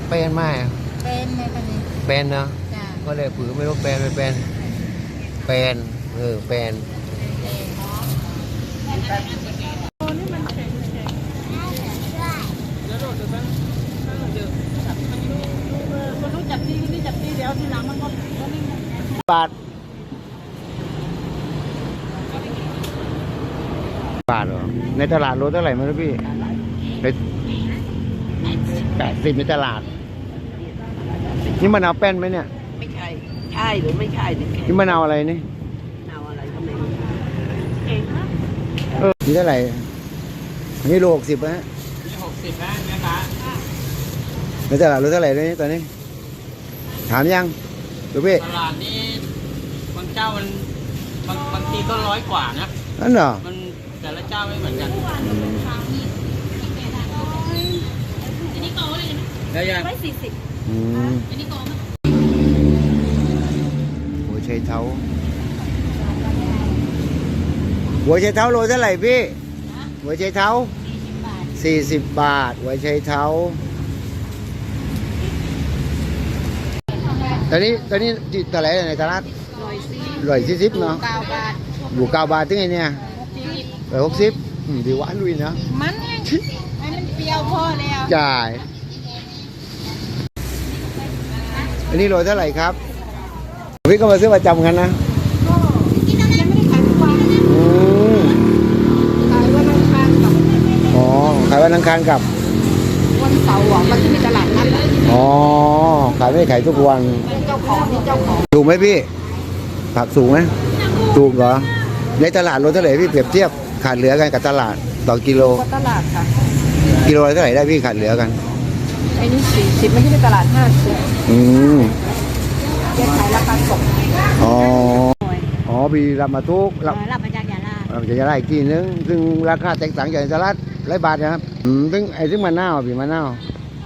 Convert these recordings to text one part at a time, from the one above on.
เป็นไหมเป็นไหมคะนี่เป็นเนาะจ้ะก็เลยผือไม่รู้เป็นไม่เป็นเป็นเป็นคนรู้จักที่นี่จับที่เดี๋ยวทีหลังมันก็ไม่บาทบาทเหรอในตลาดโลเท่าไหร่มั้งพี่ใน80ในตลาดนี่มะนาวแป้นไหมเนี่ยไม่ใช่ใช่หรือไม่ใช่เนี่ยนี่มะนาวอะไรนี่มะนาวอะไรก็ไม่รู้เก่งมากนี่เท่าไหร่นี่โล60นะนี่60นะแม่ค้าในตลาดโลเท่าไหร่เลยตอนนี้ถามยังดูพี่ตลาดนี้บางเจ้ามันบางทีก็100 กว่านะนั่นเหรอมันแต่ละเจ้าไม่เหมือนกันได้ยังอันนี้โกมั้ยหัวไชเท้าหัวไชเท้าโลเท่าไหร่พี่หัวไชเท้า40 บาทหัวไชเท้าตอนนี้ตลาดในตลาด140เนาะ 9 บาทอยู่9 บาทถึงไงเนี่ย160ดีหวานลุยนะมันไงให้มันเปรี้ยวพอแล้วจ่ายอันนี้โลเท่าไหร่ครับพี่ก็มาซื้อประจำกันนะที่นั่นไม่ได้ขายทุกวันขายวันอังคารกับอ๋อขายวันอังคารกับวันเสาร์มันที่มีตลาดนัดอ๋อขายไม่ขายทุกวันเจ้าของนี่เจ้าของถูกไหมพี่ผักสูงไหมถูกเหรอในตลาดโลเท่าไหร่พี่เปรียบเทียบขาดเหลือกันกับตลาดต่อกิโลตลาดค่ะกิโลเท่าไหร่ได้พี่ขาดเหลือกันไอ้นี่40ไม่ใช่ในตลาด50แยกขายราคาส่งอ๋อบีรับมาทุกรับมาจากยาลารับมาจากยาลาอีกทีนึงซึ่งราคาแตกต่างจากตลาด100 บาทนะครับซึ่งไอ้ซึ่งมะนาวพี่มะนาว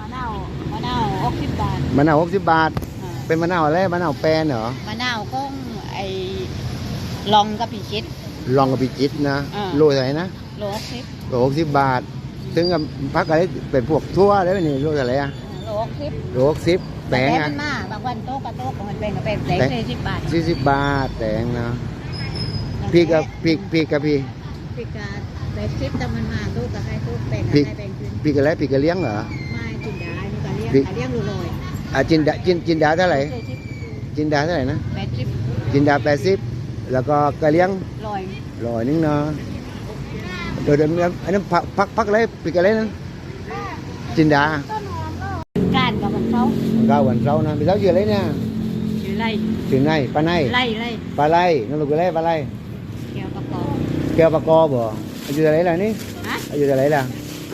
60 บาทมะนาว60 บาทเป็นมะนาวอะไรมะนาวแปรเหรอมะนาวก็ไอ้ลองกับพิชิตลองกับพิจิตนะโลเท่าไหร่นะโล 60บาทถึงกับพักอะไรเป็นพวกทั่วได้ไหมนี่โลเท่าไหร่อะโล60แตงอ่ะบางวันโต๊ะกับโต๊ะมันเป็นกับเป็นแตง40 บาท 40 บาทแตงนะพี่กับพี่กับ80แต่มันมาโต๊ะกับให้โต๊ะแบ่งขึ้นพี่กับอะไรพี่กับเลี้ยงเหรอไม่จินดานี่ก็เลี้ยงลอยจินดาเท่าไหร่จินดาเท่าไหร่นะ 80 จินดา80แล้วก็กะเลี้ยง100นึงเนาะเดี๋ยวอันนั้นพักอะไรปีกอะไรนั่นจินดาการกับวันเสาร์วันเสาร์นะพี่เสาชื่ออะไรเนี่ยชื่อไนปลาไนปลาไลนั่นลูกอะไรปลาไลแก้วปากกอบ่อายุเท่าไหร่ล่ะนี่อายุเท่าไหร่ล่ะ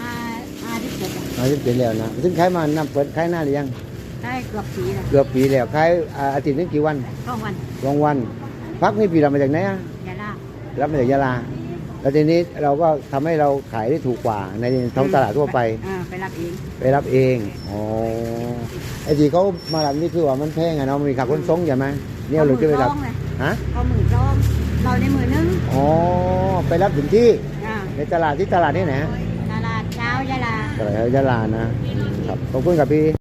50 ปีแล้วนะซึ่งขายมานับเปิดขายหน้าหรือยังได้เกือบปีแล้วขายอาทิตย์นึงกี่วัน2 วันพักนี่พี่รับมาจากไหนอะยาลารับมาจากยาลาแล้วทีนี้เราก็ทำให้เราขายได้ถูกกว่าในท้องตลาดทั่วไปไปรับเองอ๋อไอ้ที่เขามารับนี่คือว่ามันแพงอะเนาะมีค่าขนส่งใช่ไหมเนี่ยเราจะไปรับฮะเขา10,000เราในมือนึงอ๋อไปรับถึงที่ในตลาดที่ไหนตลาดเช้ายาลาตลาดยาลานะครับขอบคุณครับพี่